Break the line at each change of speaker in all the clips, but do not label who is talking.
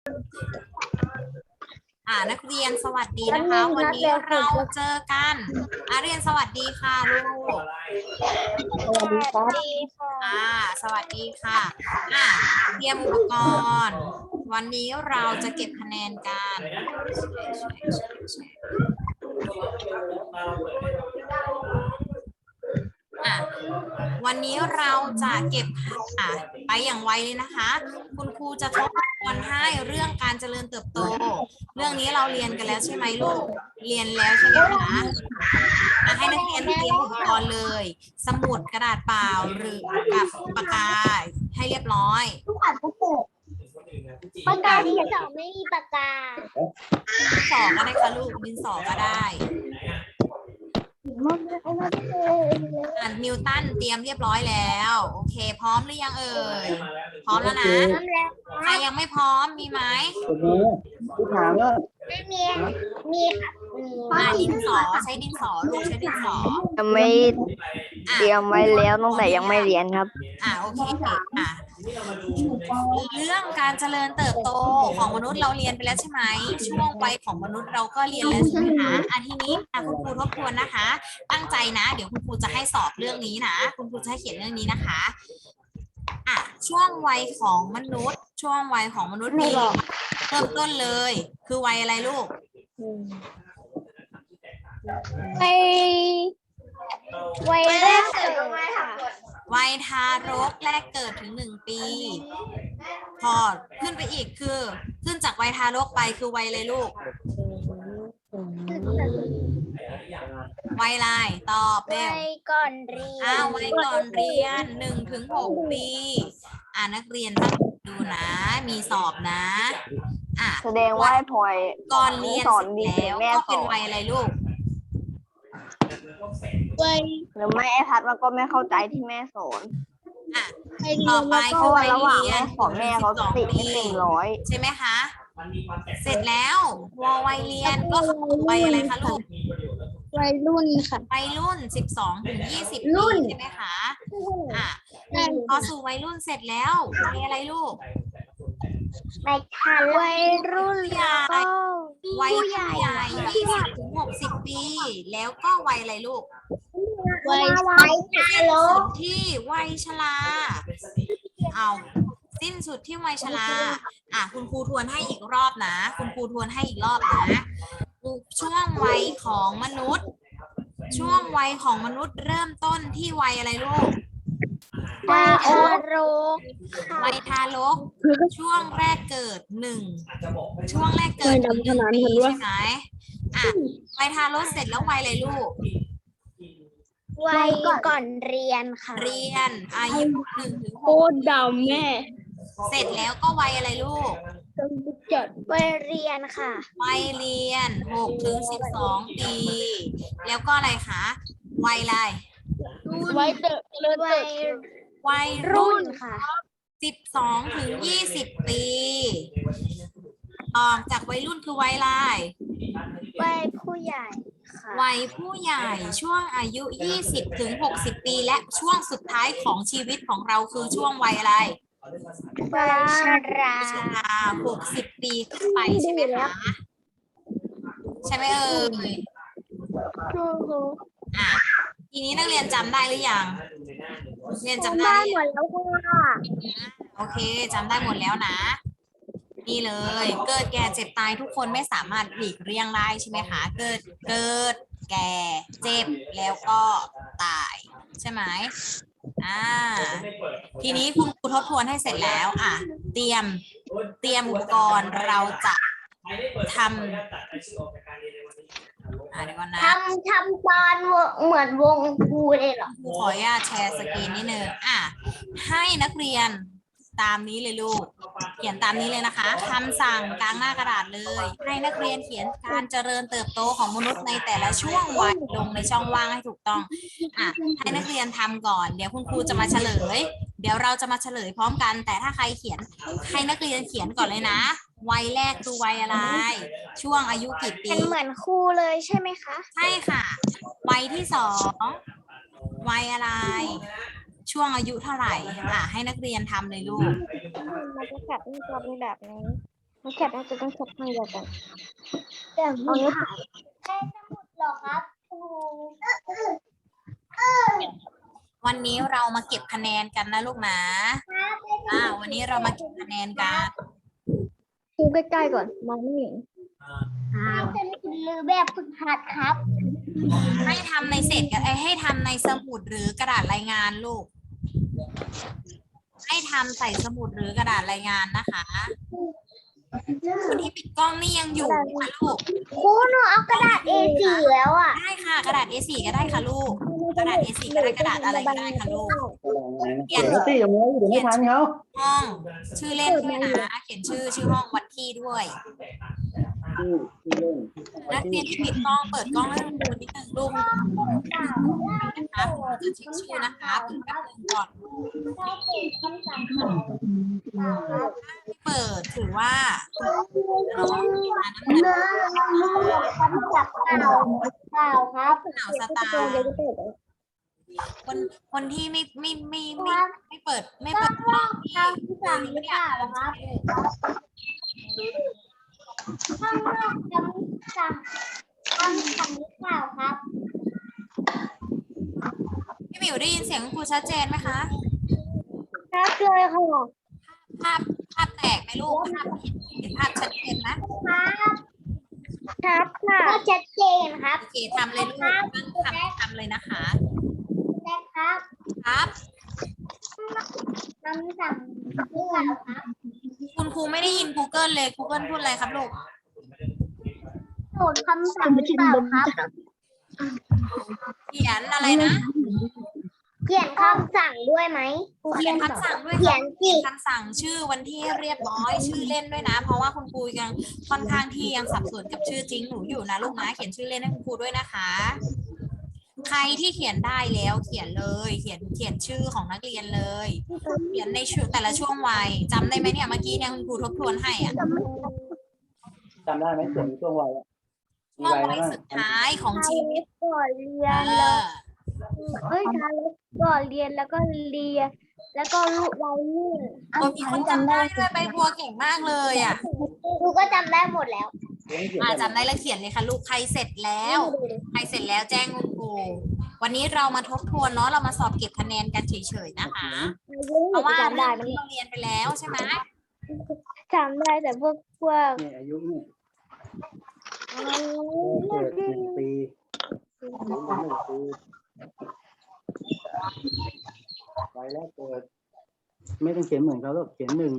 นักเรียนสวัสดีนะคะ วันนี้เราเจอกันเรียนสวัสดีค่ะลูก
สวัสดีค่ะ
สวัสดีค่ะเตรียมอุปกรณ์วันนี้เราจะเก็บคะแนนกันวันนี้เราจะเก็บไปอย่างไวเลยนะคะ คุณครูจะทบทวนให้เรื่องการเจริญเติบโตเรื่องนี้เราเรียนกันแล้วใช่ไหมลูกเรียนแล้วใช่ไหมคะให้นักเรียนเตรียมอุปกรณ์เลย สมุดกระดาษเปล่าหรือกับปากกาให้เรียบร้อย
ปากกาที่สองไม่มีปากกา
ดินสอก็ได้ค่ะลูกดินสอก็ได้นิวตันเตรียมเรียบร้อยแล้วโอเคพร้อมหรือยังเอ่ยพร้อมแล้วนะใครยังไม่พร้อมมีไหม
ไม่มี
ดินสอใช้ดินสอลูกใช้ดินสอ
ยังไม่เตรียมไว้แล้วตั้งแต่ยังไม่เรียนครับ
โอเคเรื่องการเจริญเติบโตของมนุษย์เราเรียนไปแล้วใช่ไหมช่วงวัยของมนุษย์เราก็เรียนแล้วใช่ไหมคะทีนี้คุณครูทบทวนนะคะ ตั้งใจนะเดี๋ยวคุณครูจะให้สอบเรื่องนี้นะคุณครูจะให้เขียนเรื่องนี้นะคะช่วงวัยของมนุษย์ช่วงวัยของมนุษย์มีเริ่มต้นเลยคือวัยอะไรลูก
วัยแรกเกิด
วัยทารกแรกเกิดถึง1 ปีพอขึ้นไปอีกคือขึ้นจากวัยทารกไปคือวัยอะไรลูกวัยอะไรตอบเร็ว
วัยก่อนเรียน
วัยก่อนเรียน1 ถึง 6 ปีนักเรียนต้องดูนะมีสอบนะ
แสดงว่าพลอย
ก่อนเรียนเสร็จแล้วก็เป็นวัยอะไรลูก
หรือไม่ไอ้พัดมันก็ไม่เข้าใจที่แม่สอน
ต่อไปคือวัยเรียน
ของแม่เขาติดไม่เต็มร้อย
ใช่ไหมคะเสร็จแล้ววัยเรียนก็คือวัยอะไรคะลูก
วัยรุ่นค่ะ
วัยรุ่น12 ถึง 20 ปีใช่ไหมคะพอสู่วัยรุ่นเสร็จแล้ววัยอะไรลูก
วัยรุ่นก็
วัยผู้ใหญ่20 ถึง 60 ปีแล้วก็วัยอะไรลูก
วัยทารก
ที่วัยชราสิ้นสุดที่วัยชราคุณครูทวนให้อีกรอบนะคุณครูทวนให้อีกรอบนะช่วงวัยของมนุษย์ช่วงวัยของมนุษย์เริ่มต้นที่วัยอะไรลูก
วัยทารก
วัยทารกช่วงแรกเกิดช่วงแรกเกิด1 ปีใช่ไหมวัยทารกเสร็จแล้ววัยอะไรลูก
วัยก่อนเรียนค่ะ
เรียนอายุ1 ถึง 6
โคตรดำแม่
เสร็จแล้วก็วัยอะไรลูก
วัยเรียนค่ะ
วัยเรียน6 ถึง 12 ปีแล้วก็อะไรคะวัยอะไร
วัยรุ่นค่ะ
12 ถึง 20 ปีออกจากวัยรุ่นคือวัยอะไร
วัยผู้ใหญ่
วัยผู้ใหญ่ช่วงอายุ 20 ถึง 60 ปีและช่วงสุดท้ายของชีวิตของเราคือช่วงวัยอะไร
วัยชรา
60 ปีขึ้นไปใช่ไหมคะใช่ไหมเอ่ยทีนี้นักเรียนจำได้หรือยังเรียนจำได้
หมดแล้วค่ะ
โอเคจำได้หมดแล้วนะนี่เลยเกิดแก่เจ็บตายทุกคนไม่สามารถหลีกเลี่ยงได้ใช่ไหมคะเกิดแก่เจ็บแล้วก็ตายใช่ไหมทีนี้คุณครูทบทวนให้เสร็จแล้วเตรียมอุปกรณ์เราจะทำเดี๋ยวก่อนนะ
ทำตอนเหมือนวงครูเลยเหรอ
ครูขออนุญาตแชร์สกรีนนิดนึงให้นักเรียนตามนี้เลยลูกเขียนตามนี้เลยนะคะคำสั่งกลางหน้ากระดาษเลยให้นักเรียนเขียนการเจริญเติบโตของมนุษย์ในแต่ละช่วงวัยลงในช่องว่างให้ถูกต้องให้นักเรียนทำก่อนเดี๋ยวคุณครูจะมาเฉลยเดี๋ยวเราจะมาเฉลยพร้อมกันแต่ถ้าใครเขียนให้นักเรียนเขียนก่อนเลยนะวัยแรกคือวัยอะไรช่วงอายุกี่ปี
เป็นเหมือนครูเลยใช่ไหมคะ
ใช่ค่ะวัยที่2วัยอะไรช่วงอายุเท่าไหร่ให้นักเรียนทำเลยลูก
มันจะแบบนี้แบบนี้ไม่แคปน่าจะต้องแคปให้เดียวกันแต่เอาเนี้ยได้สมุดหรอครับครู
วันนี้เรามาเก็บคะแนนกันนะลูกนะวันนี้เรามาเก็บคะแนนกัน
ดูใกล้ๆก่อนมองไม่เห็นเป็นหรือแบบฝึกหัดครับ
ให้ทำในเศษกันให้ทำในสมุดหรือกระดาษรายงานลูก ให้ทำใส่สมุดหรือกระดาษรายงานนะคะคนที่ปิดกล้องนี่ยังอยู่ไหมคะลูก
ครูหนูเอากระดาษ A4 แล้วอ่ะ
ได้ค่ะกระดาษ A4 ก็ได้ค่ะลูก กระดาษ A4 ก็ได้กระดาษอะไรก็ได้ค่ะลูก เขียน
เดี๋ยวสิอย่างนี้เดี๋ยวไม่ทันเขา
ห้องชื่อเล่นด้วยนะเขียนชื่อห้องวันที่ด้วยนักเรียนที่ปิดกล้องเปิดกล้องให้ดูนิดนึงลูกนะคะจะเช็คชื่อนะคะเปิดแป๊บนึงก่อนเปิดถือว่าน้องมาน้ำหนัก
จับเปล่าครับ
หนาวสตาร์คนที่ไม่เปิดกล้องที่สั่งหรือเปล่าครับ
ข้างนอกจำสั่งหรือเปล่าครับ
พี่หมิวได้ยินเสียงครูชัดเจนไหมคะ
ครับเลยค่ะ
ภาพแตกไหมลูกภาพเห็นภาพชัดเจนไหม
ครับค่ะก็ชัดเจนครับ
โอเคทำเลยลูกทำเลยนะคะ
ได้ครับ
ครับ
คำสั่งหรือเปล่าครับ
คุณครูไม่ได้ยิน Google เลย Google พูดอะไรครับลูก
โหลดคำสั่งหรือเปล่าครับ
เขียนอะไรนะ
เขียนคำสั่งด้วยไหม
เขียนคำสั่งด้วย
เขียน
เขี
สิ
ยนคำสั่งชื่อวันที่เรียบร้อยชื่อเล่นด้วยนะ เพราะว่าคุณครูยังค่อนข้างที่ยังสับสนกับชื่อจริงหนูอยู่นะลูกนะเขียนชื่อเล่นให้คุณครูด้วยนะคะ ใครที่เขียนได้แล้วเขียนเลยเขียนชื่อของนักเรียนเลย เขียนในช่วงแต่ละช่วงวัยจำได้ไหมเนี่ยเมื่อกี้เนี่ยคุณครูทบทวนให้อ่ะ
จำได้ไหมเสียงช่วงวัยอะมี
ช่วง
วัย
วั
แล้ว
ย
นะ
สุดท้ายของชีวิต
ก่อนเรีย
เอน
แล้ว
อ
ทารกก่อนเรียนแล้วก็เรียน แล้วก็ลูกวัยรุ่น
มีคนจำได้ด้วยใบบัวเก่งมากเลยอ่ะ
ครูก็จำได้หมดแล้ว
จำได้แล้วเขียนเลยค่ะลูกใครเสร็จแล้วแจ้งคุณครูวันนี้เรามาทบทวนเนาะเรามาสอบเก็บคะแนนกันเฉยๆนะคะ เพราะว่า
จำได้
เรื่องที่เราเรียนไปแล้วใช่ไหม
จำได้แต่พวก
เนี่ยอายุเนี่ย
อ๋อ
เกิด1 ปีอายุ1 ปีวัยแรกเกิดไม่ต้องเขียนเหมือนเขาหรอกเขียน1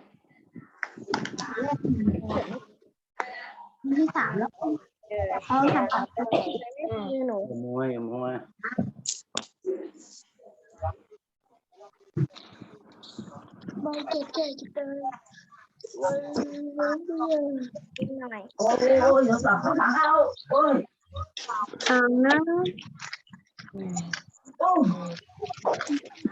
ที่3แล้วเขาทำกับหนู
ขโมย
บางทีเกิดจะเป็นวันหน่อย
โอ้ยเดี๋ยวสั่งเขาสั่งเขาโอ้ย
นะ
โอ้ย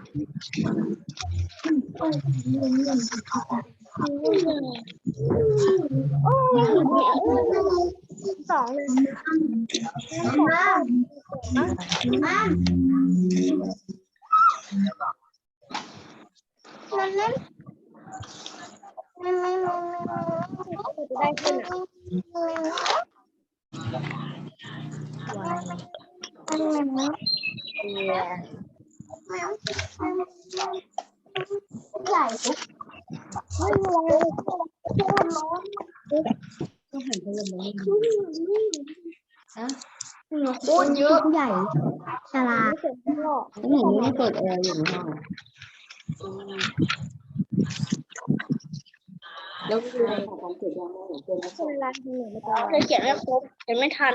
โอ้ยสองเลยมันนั้นจะได้ขึ้นใหญ่ไม่ร้อนร้อนต้องหันไปเลยนะโคตรเยอะใหญ่ฉลาดหนูไม่เปิดแอร์อยู่ในห้องแล้วคือของเกิดยังไงเวลาที่หนูไม่ตอนเขียนไม่ครบเขียนไม่ทัน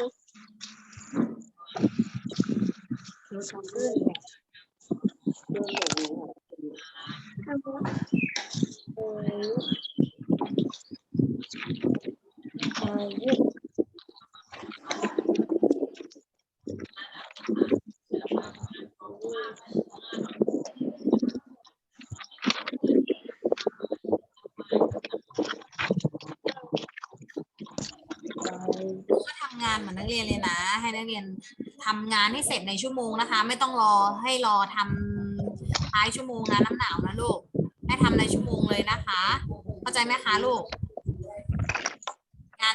ก็ทำงานเหมือนนักเรียนเลยนะ ให้นักเรียนทำงานให้เสร็จในชั่วโมงนะคะ ไม่ต้องรอทำท้ายชั่วโมงนะน้ำหนาวนะลูกให้ทำในชั่วโมงเลยนะคะเข้าใจไหมคะลูก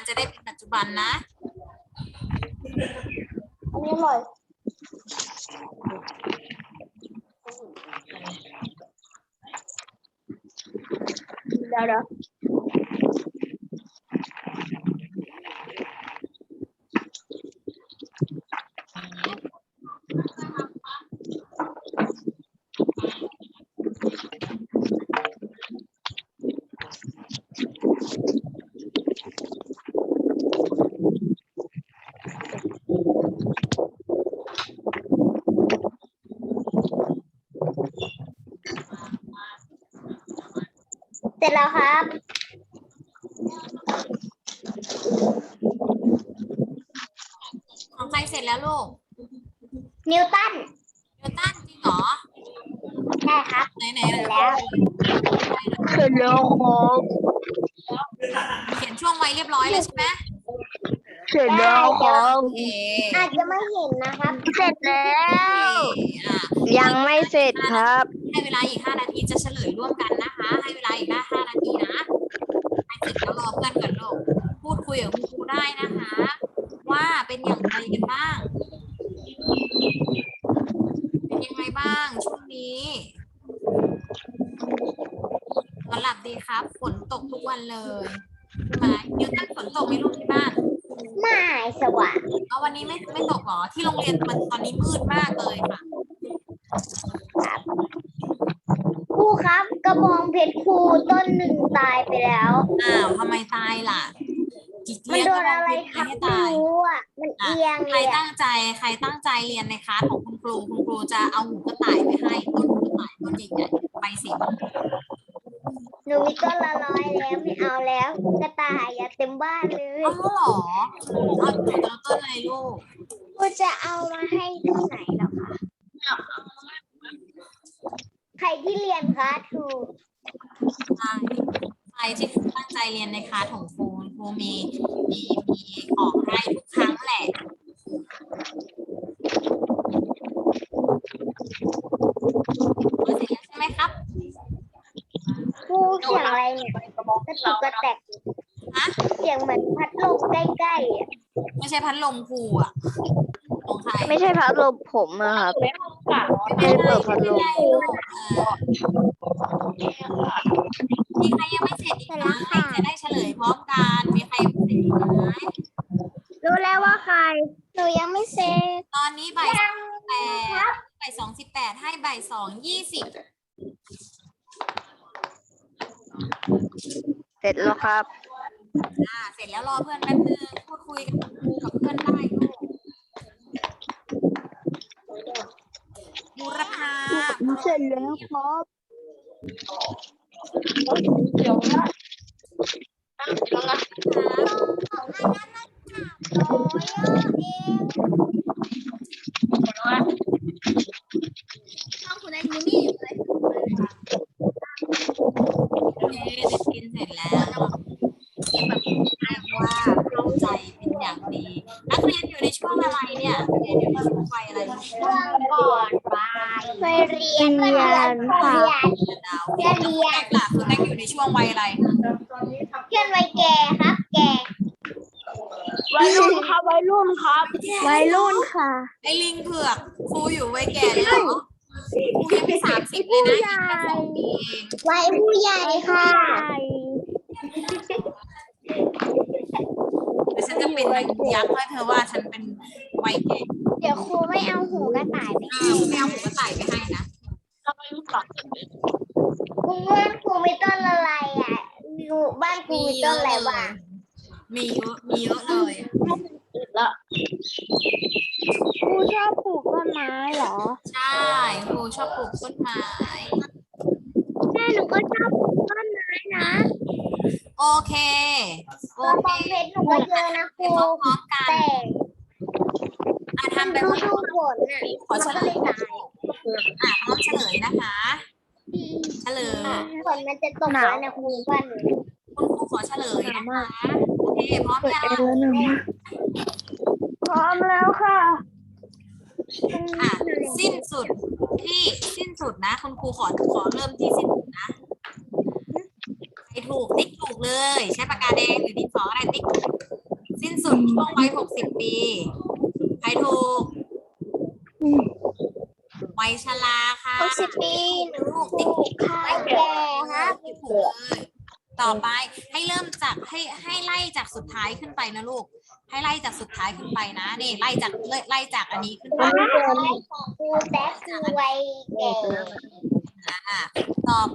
จะได้เป็นปัจจุบันนะ
อันนี้อร่อยเดี๋ยว เสร็จแล้วครับ
ของใครเสร็จแล้วลูก
นิวตัน
นิวตันจริงเหรอ
ใช่ครับ
ไหน
เสร็จแล้ว
เสร็จแล้วครับ
เขียนช่วงไว้เรียบร้อยแล้วใช่ไหม
เสร็จแล้วครับ
โอเค
อาจจะไม่เห็นนะครับ
เสร็จแล้ว
อ่ะ
ยังไม่เสร็จครับ
ให้เวลาอีก5 นาทีจะเฉลยร่วมกันนะคะ ให้เวลาอีก5 นาทีนะให้เสร็จแล้วรอเพื่อนก่อนลูกพูดคุยกับคุณครูได้นะคะ ว่าเป็นอย่างไรกันบ้าง เป็นยังไงบ้างช่วงนี้นอนหลับดีครับฝนตกทุกวันเลยใช่ไหมนิวตันฝนตกไหมลูกที่บ้าน
ไม่สว่าง
เอาวันนี้ไม่ตกเหรอที่โรงเรียนมันตอนนี้มืดมากเลยค่ะ
ครูครับกระบองเพชรครูต้นหนึ่งตายไปแล้ว
อ้าวทำไมตายล่ะ
มันโดนอะไร
ใค
ทับ
ให้
ไม่
ตาย
รู้อ่ะ มันเอียง
ใค
เล
ร
ยอะ
ตั้งใจเรียนในคลาสของคุณครูจะเอาหูกระต่ายไปให้ต้นหูกระต่ายต้นใหญ่ๆใบสีม่วง
หนูมีต้นละ100แล้วไม่เอาแล้ว กระต่ายอย่าเต็มบ้านเลย
อ๋อเหรอเอาหนูจะเอาต้นอะไรลูก
ครูจะเอามาให้ที่ไหนแล้วคะใครที่เรียนคะถูก
ใครที่ตั้งใจเรียนในคลาสของครูมีของให้ทุกครั้งแหละเสร็จแล้วใช่ไหมครับ
ครูเสียงอะไรเนี่ยกระตุกกระแตก
ฮะ
เสียงเหมือนพัดลมใกล้ๆอ่ะ
ไม่ใช่พัดลมครูอ่ะของใคร
ไม่ใช่พัดลมผมนะครับ
ไม่เป็นไร
เปิดพัดลม
ไม่เป็นไรลูกมีใครยังไม่เสร็จอีกไหมจะได้เฉลยพร้อมกันมีใครยังไม่เสร็จอีกไหม
รู้แล้วว่าใคร หนูยังไม่เซ็ต
ตอนนี้บ่าย2:18ให้บ่าย2:20
เสร็จแล้วครับ
เสร็จแล้วรอเพื่อนแป๊บนึงพูดคุยกับครูกับเพื่อนได้ลูกบูรพา
เสร็จแล้วครับ
คุณไอ้มูนี่อยู่เลย
เด็กกินเสร็จแล้วที่แบบเรียกว่าเข้าใจเป็นอย่างดี นักเรียนอยู่ในช่วงอะไรเนี่ยเรียนอยู่ในช่วงวัยอะไรลูก
ช่วงก่อนไปเรียนค่ะ
ดาวเรียนล่ะคุณแม่อยู่ในช่วงวัยอะไร
เพื่อนวัยแก่ครับ แก่
วัยรุ่นครับวัยรุ่นครับวัยรุ่นค่ะ
ไอ้ลิงเผือกครูอยู่วัยแก่เลยเหรอครูยังไม่30เลยนะอีกแค่2 ปีเอง
วัยผู้ใหญ่ค่ะ
แต่ฉันจะเป็นนางยักษ์ถ้าเธอว่าฉันเป็นวัยแก่
เดี๋ยวครูไม่เอาหูกระต่ายไป
อ้าวไม่เอาหูกระต่ายไปให้นะ
ครูว่าครูมีต้นอะไรอ่ะอยู่บ้านครูมีต้นอะไรบ้าง
มีเยอะเลย
ครูชอบปลูกต้นไม้เหรอ
ใช่ครูชอบปลูกต้นไม้
แม่หนูก็ชอบปลูกต้นไม้นะ
โอเค
กระบองเพชรหนูก็เยอะนะครู
พร้อมกัน
แต่
ทำไป
ฤ
ว่า
ดูฝนอ่ะ
ขอเฉลย
ตาย
พร้อมเฉลยนะคะ เฉลย
ฝนมันจะตกแล้วนะครูว่าหนู
คุณครูขอเฉลยนะคะโอเคพร้อมยัง
พร้อมแล้วค่ะ
อ่ะสิ้นสุดนะคุณครูขอเริ่มที่สิ้นสุดนะใครถูกติ๊กถูกเลย ใช้ปากกาแดงหรือดินสออะไรติ๊กสุดช่วงวัย60 ปี ใครถูก วัยชราค่ะ
60 ปีหนู
ลูก
ถูกค่ะแก่ครับ
ถูกเลยต่อไปให้เริ่มจากให้ไล่จากสุดท้ายขึ้นไปนะลูก ให้ไล่จากสุดท้ายขึ้นไปนะนี่ไล่จากอันนี้ขึ้นไป
ครูแต๊กคือวัยแก่
ต่อไป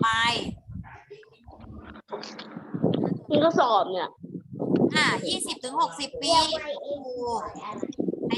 นี่ก็สอบเนี่ย
20 ถึง 60 ปี ถูกให้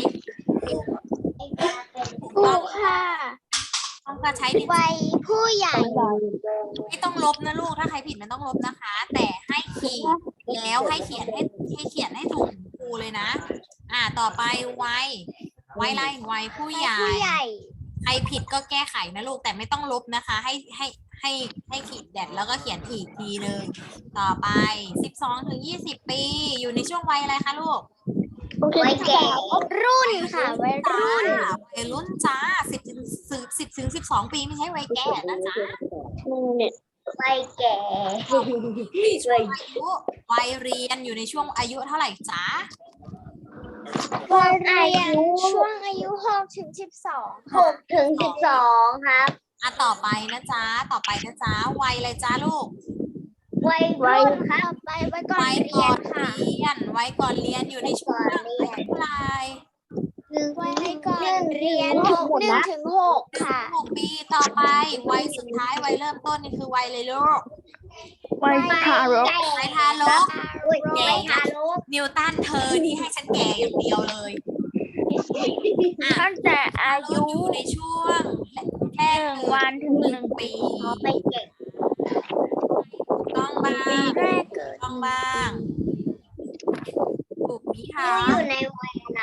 ถูกค่ะ
ต้องการใช้ดินสอ
วัยผู้ใหญ่
ไม่ต้องลบนะลูก ถ้าใครผิดมันต้องลบนะคะ แต่ให้ขีดแล้วให้เขียนให้ถูกครูเลยนะ ต่อไปวัยไล่วัยผู้ใหญ่ ใครผิดก็แก้ไขนะลูก แต่ไม่ต้องลบนะคะ ให้ขีดแดดแล้วก็เขียนอีกทีหนึ่งต่อไป 12 ถึง 20 ปี อยู่ในช่วงวัยอะไรคะลูก
วัยแก่รุ่นค่ะวัย
จ้า
รุ่น
วัยรุ่นจ้า10 ถึง 12 ปีไม่ใช่วัยแก่นะจ๊ะ
เนี่ย
วัยแก่
ช่วงอายุวัยเรียนอยู่ในช่วงอายุเท่าไหร่จ๊ะ
วัยเรียนช่วงอายุ6 ถึง 12 6 ถึง 12 ครับ
ต่อไปนะจ๊ะวัยอะไรจ๊ะลูก
วัยรุ่นครับวัยก่อน
วัย
เรี
ก่
ย
อน น
ค่ะ
เรียนวัยก่อนเรียนอยู่ในช่วงอายุเท่าไหร่
วัยก่อนเรียน1 ถึง 6 ค่ะ
6 ปีต่อไปวัยสุดท้ายวัยเริ่มต้นนี่คือวัยอะไรลูก
วัยทารก
วัยทารก
วัยทารก
นิวตันเธอนี่ให้ฉันแก่อย่างเดียวเลย
ตั้งแต่อายุ
อยู่ในช่วงแรก
1 วันถึง 1
ปี
ไปเก็บ
ต้องบ้าง
แรกเกิด
ต้องบ้างถูกไหมคะ
อยู่ในวัยอะไร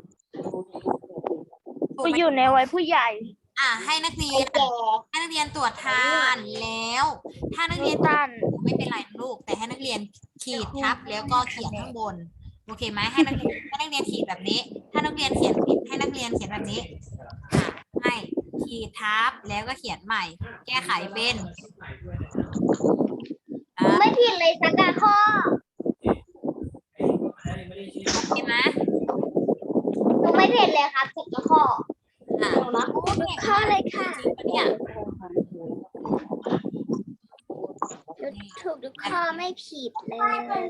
ก็อยู่ในวัยผู้ใหญ่
ให้นักเรียน
แก่
ตรวจทานแล้ว ถ้านักเรียน
ตัน
ไม่เป็นไรนะลูก แต่ให้นักเรียนขีดทับแล้วก็เขียนข้างบน โอเคไหมให้นักเรียนขีดแบบนี้ ถ้านักเรียนเขียนผิดให้นักเรียนเขียนแบบนี้ให้ขีดทับแล้วก็เขียนใหม่ แก้ไขเป็นอ่า
ไม่ผิดเลยสักข้อ
โอเคไหม
หนูไม่ผิดเลยครับสักข้อ
ข้อเลยค่ะ เนี่ย
ถูกทุกข้อไม่ผิดเลย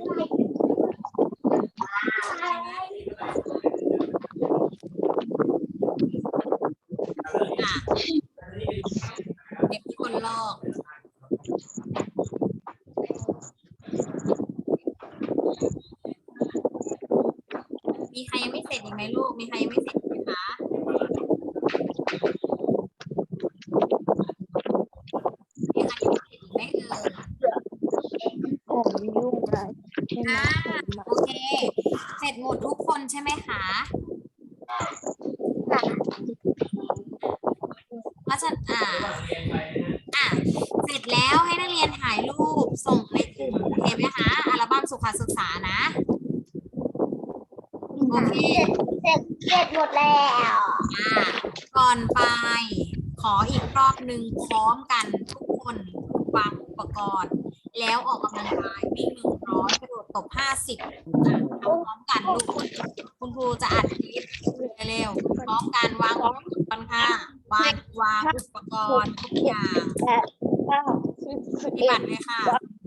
เด็กคนลอกมีใครยังไม่เสร็จอีกไหมลูก มีใครยังไม่เสร็จไหมคะ มีใครยังไม่เสร็จอีกไหมเอ่ย
ผมยุ่งอะไรใช่ไหม
โอเค เสร็จหมดทุกคนใช่ไหมคะเพราะฉะนั้นเสร็จแล้วให้นักเรียนถ่ายรูปส่งในกลุ่มโอเคไหมคะอัลบั้มสุขศึกษานะ โอเค
เสร็จหมดแล้ว
ก่อนไป ขออีกรอบหนึ่งพร้อมกันทุกคนวางอุปกรณ์ แล้วออกกำลังกายวิ่ง100กระโดดตบ50ทำพร้อมกันลูกคุณครูจะอัดคลิปเร็วๆพร้อมกันวางอุปกรณ์ค่ะวางอุปกรณ์ทุกอย่าง ปฏิบัติเลยค่ะ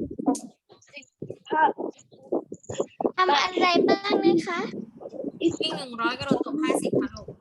ทำอะไรบ้างนะคะ
วิ่ง100กระโดดตบ50ค่ะลูก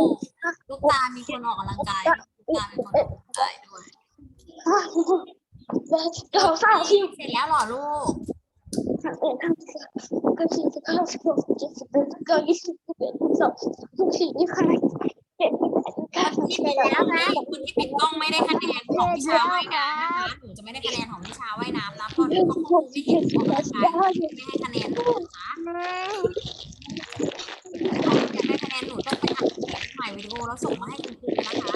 ลูกตามีคนออกกำลังกายลูกตาเป็นคนออกกำลังกายด้วย
80
เสร็จแล้วเหรอลูก ที่ปิดแล้วนะคุณที่ปิดกล้องไม่ได้คะแนนของวิชาว่ายน้ำนะคะหนูจะไม่ได้คะแนนของวิชาว่ายน้ำนะเพราะเขาคงไม่เห็นออกกำลังกายไม่ให้คะแนนหนูนะคะอยากได้คะแนนหนูต้องไปอัดคลิปถ่ายวิดีโอแล้วส่งมาให้คุณครูนะคะ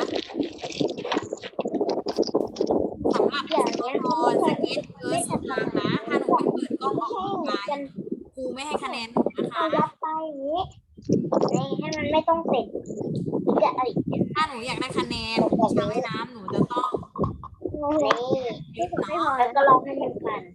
สำหรับสเก็ตเบอร์สุดทางนะถ้าหนูไม่เปิดกล้องออกกำลังกายครูไม่ให้คะแนนหนูนะคะ
ยัดไปอย่างนี้นี่ให้มันไม่ต้องติดจะอะไร
ถ้าหนูอยากได้คะแนนวิชาว่ายน้ำหนูจะต้อง
นี่ไม่พอแล้วก็ลองให้มันปั่น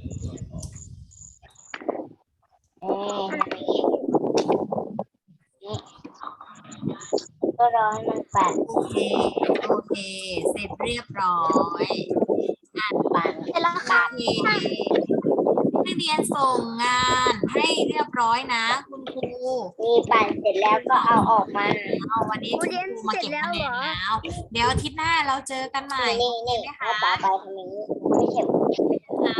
นี่ก็รอให้มันปั่น
โอเคโอเคเสร็จเรียบร้อยอ่าน
ปั่น
เสร็จแล้วค่ะนักเรียนส่งงานให้เรียบร้อยนะคุณครู
มีปั่นเสร็จแล้วก็เอาออกมา
เอาวันนี้คุณครูมาเก็บคะแนนแล้ว เดี๋ยวอาทิตย์หน้าเราเจอกันใหม่
นี่เอาต่อไปทำอย่างนี้ไม่เข็ม
นะ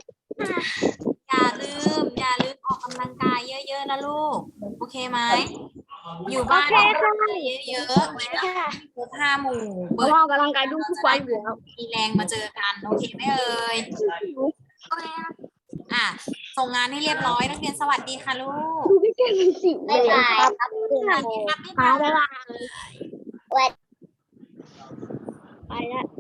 อย่าลืมออกกำลังกายเยอะๆนะลูกโอเคไหมอยู่บ้านออกกำลังกายเยอะๆแล้วครบ5 หมู่เปิด
ออกกำลังกายดูทุกวันอยู่แล้ว
มีแรงมาเจอกันโอเคไหมเอ่ยอ่ะส่งงานให้เรียบร้อยนักเรียนสวัสดีค่ะลูก
ดูไม่เก่งสิ
บ๊ายบายครับ
สวัสดีครับ
ไปแล้ว